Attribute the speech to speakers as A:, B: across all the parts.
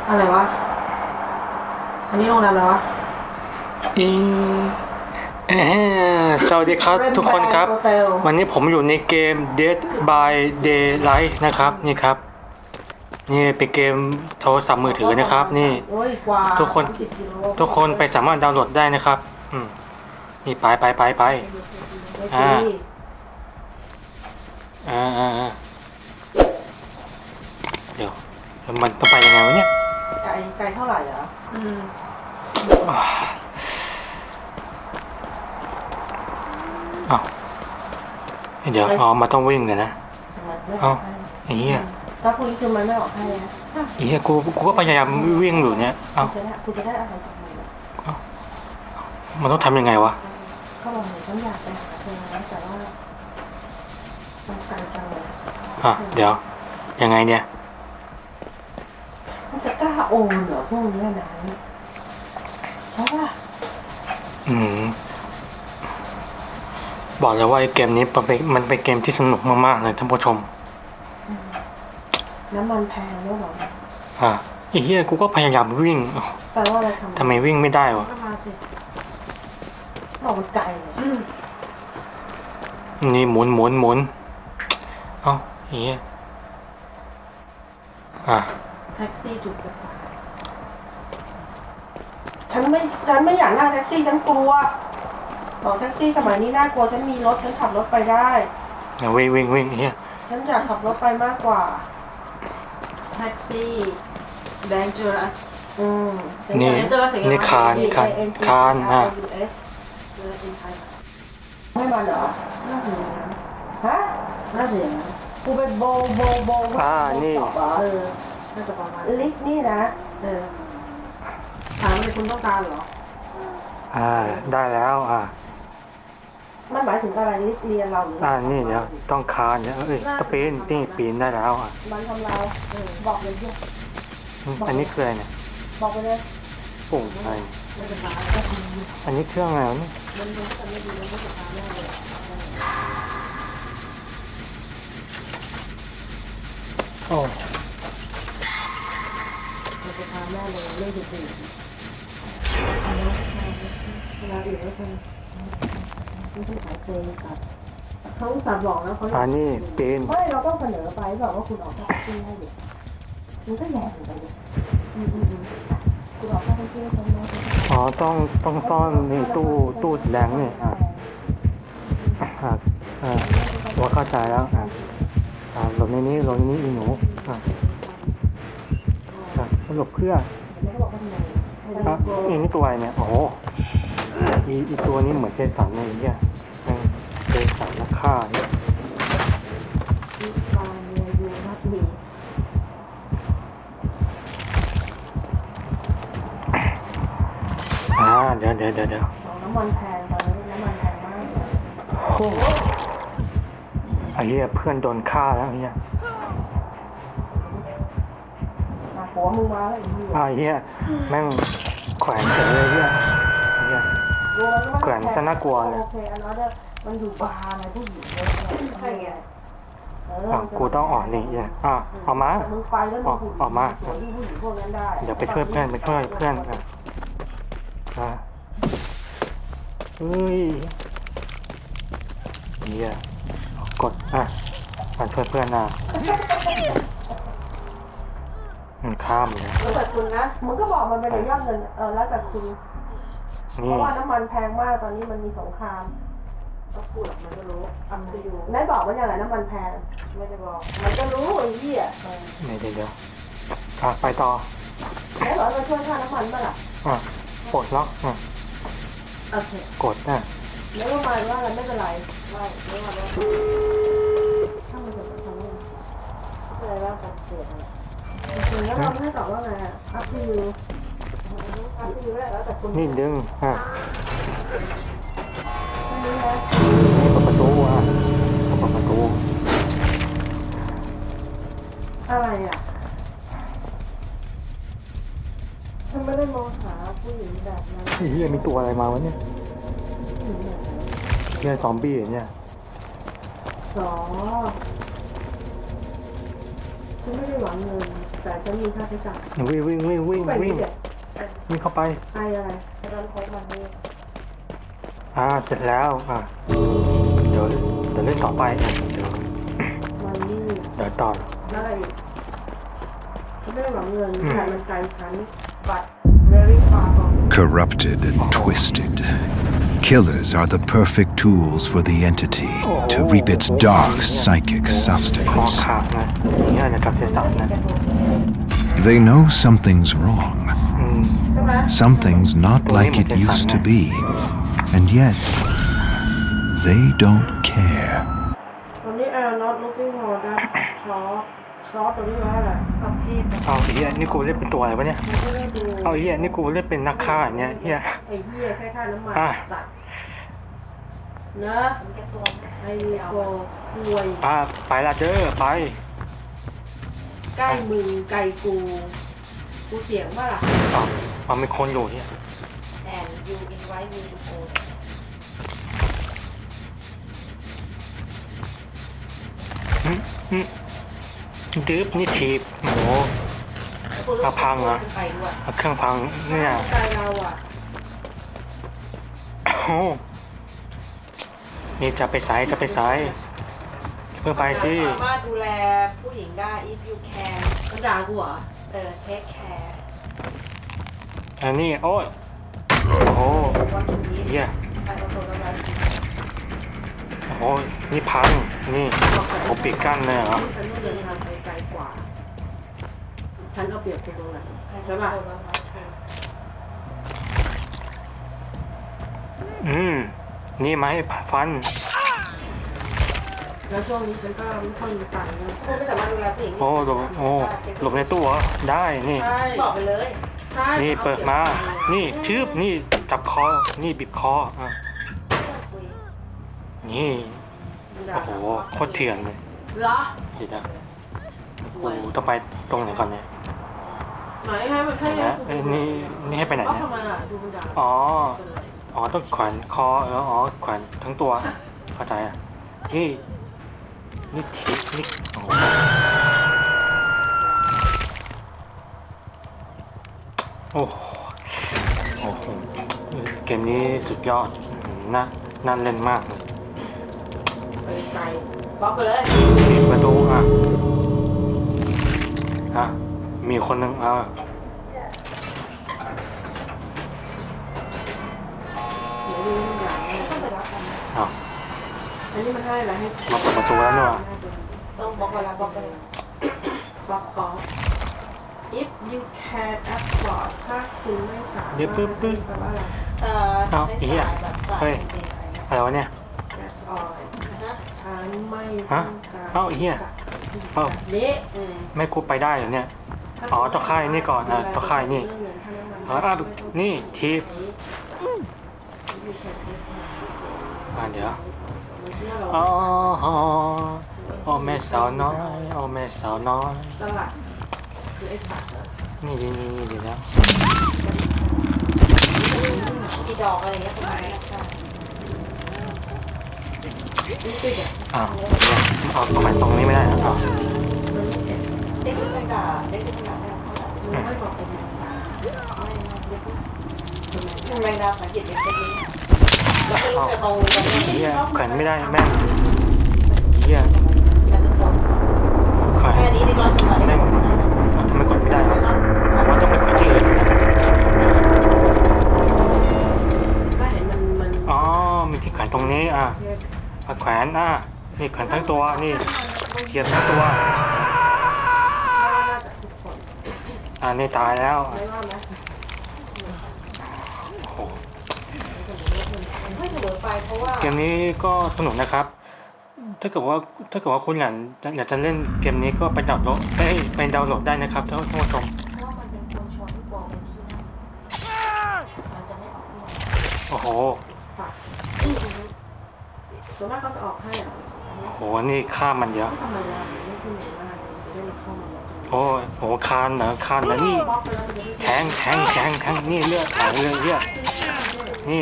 A: อะไรวะอันนี้โรงแรมอะไรวะ
B: อีเอ่สวัสดีครับทุกคนครับ วันนี้ผมอยู่ในเกม Dead by Daylight นะครับนี่ครับนี่เป็นเกมโทรศัพท์มือถือนะครับนี่ทุกคนไปสามารถดาวน์โหลดได้นะครับนี่ไปอ่าเดี๋ยวมันต้องไปยังไงวะเนี่ย
A: ไกลเท่าไหร่อ่ะ
B: อ้าวเดี๋ยวมาต้องวิ่งเลยนะเอ้าอย่างนี้อ่ะ
A: ถ้าคุณคือมันไม่ออกให้นะ
B: อย่างนี้กูก็พยายามวิ่งอยู่เนี่ยเอ้า
A: คุณจะได้อะไรจากมัน
B: มันต้องทำยังไงวะ
A: เขาบอกหนูฉันอยากไปหาเธอนะแต่ว่ามันไกลจังเลย
B: เดี๋ยวยังไงเนี่ย
A: มันจะกล้าโอนเหรอพวกนี้นะใช่ป่ะ
B: บอกเลยว่าไอ้เกมนี้มันเป็นเกมที่สนุกมากๆเลยท่านผู้ชม
A: น้ำมันแพงด้วยหร
B: อไอ้เหี้ยกูก็พยายามวิ่ง
A: แปลว่าอะไร
B: ทำไมวิ่งไม่ได้วะ
A: มาสิบอกมันไกลเลย
B: นี่หมุนเอ้าเหี้ย
A: แท็กซี่ถูกกฎหมายฉันไม่อยากนั่งแท็กซี่ฉันกลัวบอกแท็กซี่สมัยนี้น่ากลัวฉันมีรถฉันขับรถไปได้
B: วิ่งเฮีย
A: ฉันอยากขับรถไปมากกว่าแท็กซี่ dangerous
B: นี่คาน
A: ไม่มาเหรอน่าเสียฮะน่าเสียกูเป็นโบ
B: นี่
A: น่าจะประมาณลิฟนี่นะถามว่าคุณต้องการเหรอ
B: ได้แล้ว
A: มันหมายถึงอะไรลิฟเรียนเราหรือ
B: นี่เดี๋ยวต้องคานเนี่ยตะปีนได้แล้ว
A: มันทำลายบอกเลยที่
B: อันนี้คืออะไรเนี่ย
A: บอกไปเลย
B: ปุ่มอะไรอันนี้เครื่องอะไรนี่
A: มันไม่ดีมันไม่จะพาแม่เลย
B: โอ้
A: มันจะพาแม่เลยเรื่องอื่นเวลาอื่นไม่ต้องขายเพลงครับเขาสั่งบอกแล้วเขา
B: นี่ปีน
A: ไม่เราต้องเสนอไปบอกว่าคุณออกค่าแท็กซี่ให้ดิมันก็แย่เหมือนกันดิคุณออกค่าแท็กซี่ให้ไหม
B: ต้องซ่อนในตู้แสดงนี่ว่าเข้าใจแล้วหลบในนี้อีหนูหลบเพื่อนี่ตัวอะไรเนี่ยโอ้โหอีตัวนี้เหมือนเจสันเลยเนี่ยเจสันนักฆ่าเนี่ยเดี๋ยว
A: น้ำมันแพงตอนนี้น้ำมันแพงมาก
B: ไอ้เหี้ยเพื่อนโดนฆ่าแล้วเนี่ย
A: หัวมึงมาแล้ว
B: ไอ้เหี้ยแม่งแขวนเฉยเลยเนี่ยแขวนซะน่ากลัวเลย
A: โอเคอันนั้นมันอยู่บาร์อะไรผู้หญิงเลยใช่ไง
B: กูต้องออกนี่เนี่ยออกมาออกมาเดี๋ยวไปช่วยเพื่อนเฮ้ยเนี่ยกดมาช่วยเพื่อนมันข้ามเลย
A: แล้วแต่คุณนะมึงก็บอกมันเป็นยอดเงินแล้วแต่คุณเพราะว่าน้ำมันแพงมากตอนนี้มันมีสงครามก็พูดมันก็รู้จะอยู่ไหนบอกมันอย่างไรน้ำมันแพงไม่ได้บอกมันก็รู้ไอ้เหี้ย
B: เดี๋ยวไปต่อ
A: ไหนบอกมาช่วยค่าน้ำมันบ้างล่ะ
B: กดล็อก
A: โอเค
B: กด
A: ไม่ว่ามาว่าอะไรไม่เป็นไรไม่ว่าถ้ามันจะทำอะไรว่าการเกิดอะไรจริงแล้วเราไม่ตอบว่าไงอัพยูแล้วแต่คุณ
B: นี่ดึง
A: นี่นะ
B: เปิดประตู
A: อะไรฉันไม่ได้มองหาผู้หญิงแบบนั้น
B: เฮียมีตัวอะไรมาวะเนี่ยซอมบี้เนี่ย
A: ฉันไม่ได้หวังเงินแต่ฉันมีค่าใช้จ่าย
B: วิ่งวิ่งวิ่งวิ่ง
A: ไป
B: วิ่ง
A: นี่เด็ด
B: วิ่งเข้าไป
A: ไออะไรตอนโค้งมันนี่
B: เสร็จแล้วเดี๋ยวเล่นต่อไปเดี๋ยว
A: มันนี่
B: เดี๋ยวต่อ
A: แล้วอะไรอีกฉันไม่ได้หวังเงินแต่มันไกลฉัน but very far from
C: Corrupted and twisted, killers are the perfect tools for the entity to reap its dark psychic
B: คอ
C: sustenance.
B: ขาดนะนี่นะครับเทสันนะ
C: They know something's wrong,
B: อืม
A: ใช่ไหม
C: something's not like it used to be, and yet they don't care.
A: ตอนนี้not looking for thatซอสตัวนี้ว่าอะไรประเภท
B: เอาไอ้เหี้ยนี่กูเล่นเป็นตัวอะไรวะเนี่ย
A: มันก็ได้ดู
B: เอาไอ้เหี้ยนี่กูเล่นเป็นนักฆ่าเนี่ยเหี้ย
A: ไอ้เหี้ยแค่ค่าน้ำมัน
B: อ่ะ
A: สัตว์เนอะไอ้โกห่วย
B: ไปละเด้อไป
A: ใกล้มึงไกลกูเสียงว่าล่ะ
B: เอามีคนอยู่เนี่ย
A: and you invite me to go
B: ดื้อนี่ทีบโหเอาพังเหรอ
A: ไปด้วย
B: เอาเครื่องพังเนี่ย
A: ใจเราอ่ะ
B: โอ้โหนี่จะไปสายเพื่อไปสิ
D: สามารถดูแลผู้หญิงได้ if you can
A: มันด่ากูเหรอ
D: take care
B: อันนี้โอ้ยโอ้โห
D: what you need
B: เหี้ย
D: I also know that
B: โอ้โหนี่พังนี่ผมปิดกั้นเลยเหรอ
A: ฉันต้องเดินทางไปไกลกว่า ฉันเอาเปรียบคุณตรงไหน
D: I
A: ใช่
D: also
A: ป่ะ
D: know that
B: นี่มาให้ฟัน
A: แล้วช่วงนี้ฉันก็ไม่ค่อยมีตังค์นะ
D: คุณไม่สามารถดูแลผู้หญิง
B: โอ้หลบในตู้เหรอได้นี่
A: ใช่
D: บอกไปเลย
A: ใช่
B: นี่เปิดมา นี่ชืบนี่จับคอ นี่บีบคอนี่ โอ้โห โคตรเถื่อนเลย
A: เหรอ
B: เดี๋ยวนะโอ้โหต้องไปตรงไหนก่อนเนี่ย
A: ไหนให้มันให้
B: นะนี่ให้ไปไหน
A: ก็
B: เนี่ย
A: ทำไมอ่ะดูมันด่า
B: อ๋อ ต้องแขวนคอแขวนทั้งตัว เข้าใจอ่ะ นี่ทิปนี่โอ้โหโอ้โหเกมนี้สุดยอดน่าเล่นมากเลย
A: ไปไกลบล็อกไปเลย
B: ปิดประตูมีคนหนึ่ง
A: เดี๋ยวนี้มันด่า
D: ต้องไปรับกัน
A: อันนี้มันให้อะไรให้
B: มาเปิดประตูแล้วเนี่ย
D: ต้องบล็อกเวลาบล็อกไปเลย
A: บล็อกออฟ if you can afford ถ้าคุณไม่สามารถแปลว่าอะไร
D: ไม่จ่ายแบบจ่ายเอง
B: อะไรวะเนี่ย
A: that's all
D: นะ
A: ฉันไม่ต้องการ
B: เอ้าไอ้เหี้ยเอ้า
A: เละ
B: ไม่กูไปได้เหรอเนี่ย อ๋อต้องค่ายนี่ก่อนต้องค่ายนี่นี่ทีบเดี๋ยวอ๋อแม่สาวน้อยแม่สาวน้อย
A: ตลาดคือไอ้สัตว์เหรอ
B: นี่เดี๋ยวนะ
D: กี่ดอกอะไรเงี้ยประมาณนี้ใช่
A: นี่ติดอ่ะ
B: เอาแขวนตรงนี้ไม่ได้เหรอ
A: มันไม่เจ็บ
D: เด็กเป็นกาเด็กเป็นกา
A: มันไม่บอกเป็นไง
D: คุณแมงดาสังเกตเด็กเป็นนี้แล้วก็จะตรงกัน
B: เฮียแขวนไม่ได้แม่งเฮีย
D: แต่ทุกคน
B: แขวน
D: แค่นี้ในกลางคืน
B: แม่งทำไมกดไม่ได้ครับผมว่าต้องไปแขวนที่อื่นนะ
A: ก็เห็นมัน
B: อ๋อมีที่แขวนตรงนี้แขวนนี่แขวนทั้งตัวนี่เสียบทั้งตัว
A: น่าจะทุกคน
B: นี่ตายแล้ว
A: ไม่ว่าไหม
B: โอ้โห
D: ไม่เสมอไปเพราะว่า
B: เกมนี้ก็สนุกนะครับ ถ้าเกิดว่าคุณอยากจะเล่นเกมนี้ก็ไปดาวน์โหลดได้นะครับท่านผู้ชม
D: เพราะมันเป็นคนชวนที่บอกเป็นที่นั่นมันจะไม่ออกเงิน
B: โอ้โห
A: ฝากส่วนมากเขาจะออกให้อ่ะ
B: โอ้โหนี่ค่ามันเยอะ
A: ทำไมล่ะไม่ขึ้นอย่างนั้นจะได้มาเข้ามาเลย
B: โอ้โหคานเหรอนี่
A: บล็อกไปแล้วมันจะไม่
B: แทงนี่เลือดไหลเลยเลือดนี่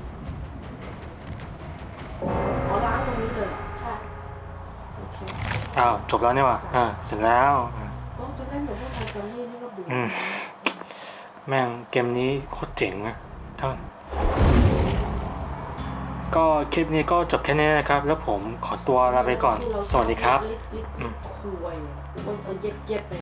A: อ๋อล้างตรงนี้เลย
D: ใช่
A: โอเค
B: อ้าวจบแล้วเนี่ยว่ะเสร็จแล้ว
A: ก็จะเล่นเหมือนพวกไทยตอนนี้นี่ก็เบื่อ
B: แม่งเกมนี้โคตรเจ๋งนะท่านก็คลิปนี้ก็จบแค่นี้นะครับ แล้วผมขอตัวลาไปก่อน สวัสดีครับ
A: คุยมันเย็บๆเลย